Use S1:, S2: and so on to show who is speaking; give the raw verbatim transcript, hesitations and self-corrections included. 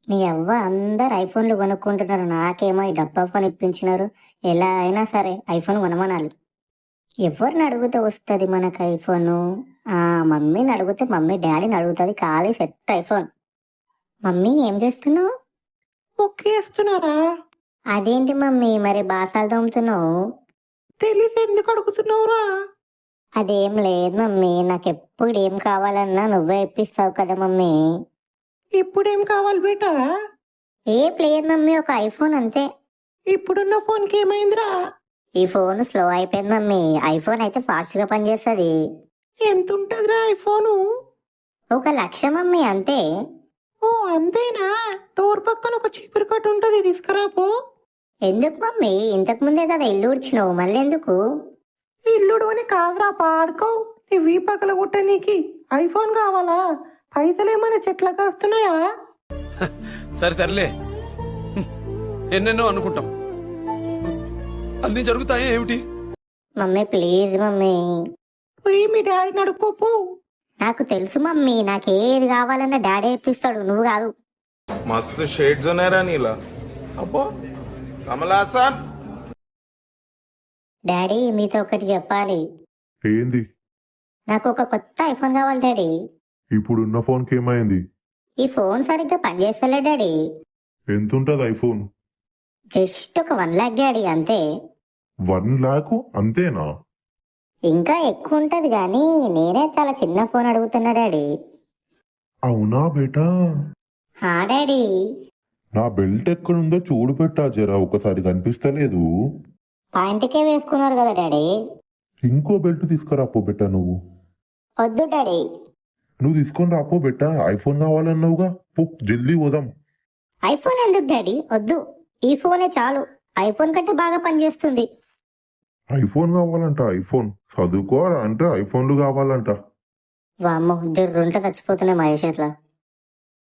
S1: నీ అవ్వ అందరు ఐఫోన్లు కొనుక్కుంటున్నారు, నాకేమో ఈ డబ్బా ఫోన్ ఇప్పించినారు. ఎలా అయినా సరే ఐఫోన్ కొనమనాలి. ఎవరిని అడిగితే వస్తుంది మనకు ఐఫోను? ఆ మమ్మీని అడిగితే మమ్మీ డాడీని అడుగుతుంది, ఖాళీ సెట్ ఐఫోన్. మమ్మీ ఏం చేస్తున్నావు?
S2: మొక్కేస్తున్నారా?
S1: అదేంటి మమ్మీ మరి బాసాలు తోముతున్నావు?
S2: తెలిసి ఎందుకు అడుగుతున్నావురా?
S1: అదేం లేదు మమ్మీ, నాకు ఎప్పుడు ఏం కావాలన్నా నువ్వే ఇప్పిస్తావు కదా మమ్మీ.
S2: ఇప్పుడేం కావాలి బేటా?
S1: ఏ లేదు మమ్మీ, ఒక ఐఫోన్ అంతే.
S2: ఇప్పుడున్న ఫోన్కి ఏమైందిరా?
S1: ఈ ఫోన్ స్లో అయిపోయింది మమ్మీ, ఐఫోన్ అయితే ఫాస్ట్ గా పనిచేస్తుంది.
S2: ఎంత ఉంటదిరా ఐఫోను?
S1: ఒక లక్ష మమ్మీ, అంతే.
S2: ఓ అంతేనా? డోర్ పక్కన ఒక చీపురు కట్ట ఉంటది, తీసుకురాపో.
S1: ఎందుకు మమ్మీ? ఇంతకు ముందే కదా ఇల్లు ఉడిచినావు, మళ్ళీ ఎందుకు?
S2: ఇల్లుడు అని కాదురా, పాడుకో. ఇవి పక్కల కొట్ట నీకి ఐఫోన్ కావాలా? పైసలు ఏమైనా చెట్ల కాస్తున్నాయా?
S3: సరే తరలే, ఎన్నెన్నో అనుకుంటాం, అన్ని జరుగుతాయి ఏమిటి?
S1: Mummy please mummy.
S2: పోయి మీ డాడీని అడుక్కోపో.
S1: నాకు తెలుసు మమ్మీ, నాకేది కావాలన్నా డాడీ ఇప్పిస్తాడు, నువ్వు కాదు.
S4: मस्त शेड्स ఉన్నాయరా నీలా. అబ్బో కమలాసన్.
S1: డాడీ మీతో ఒకటి చెప్పాలి.
S5: ఏంది?
S1: నాకు ఒక కొత్త ఐఫోన్ కావాలి డాడీ.
S5: ఇప్పుడున్న ఫోన్కి ఏమైంది?
S1: ఈ ఫోన్ సరిగ్గా పనిచేస్తలే డాడీ.
S5: ఎంతుంటది ఐఫోన్?
S1: జస్ట్ ఒక వన్ లాక్ డాడీ, అంతే.
S5: వన్ లాక్ అంతేనా?
S1: ఇంకా ఎక్కువ ఉంటది కానీ నేనే చాలా చిన్న ఫోన్ అడుగుతున్నా డాడీ.
S5: అవునా బేటా?
S1: హా డాడీ.
S5: నా బెల్ట్ ఎక్కడుందో చూడు పెట్టా జరా, ఒకసారి కనిపిస్తలేదు.
S1: పాయింట్కే వేసుకున్నారు కదా డాడీ.
S5: ఇంకో బెల్ట్ తీసుకురాపో బెట్టా. నువ్వు
S1: వద్దు డాడీ.
S5: నువ్వు తీసుకొని రాపో బెట్టా, ఐఫోన్ కావాలన్నావుగా. పో జల్దీ పోదాం.
S1: ఐఫోన్ ఎందుకు డాడీ? వద్దు, ఈ ఫోనే చాలు. ఐఫోన్ కంటే బాగా పనిచేస్తుంది.
S5: ఐఫోన్ కావాలంట? ఐఫోన్ చదువుకోరా అంటే ఐఫోన్లు కావాలంట.
S1: వామ్మో, జర్రుంటే చచ్చిపోతున్నాయి మహేష్.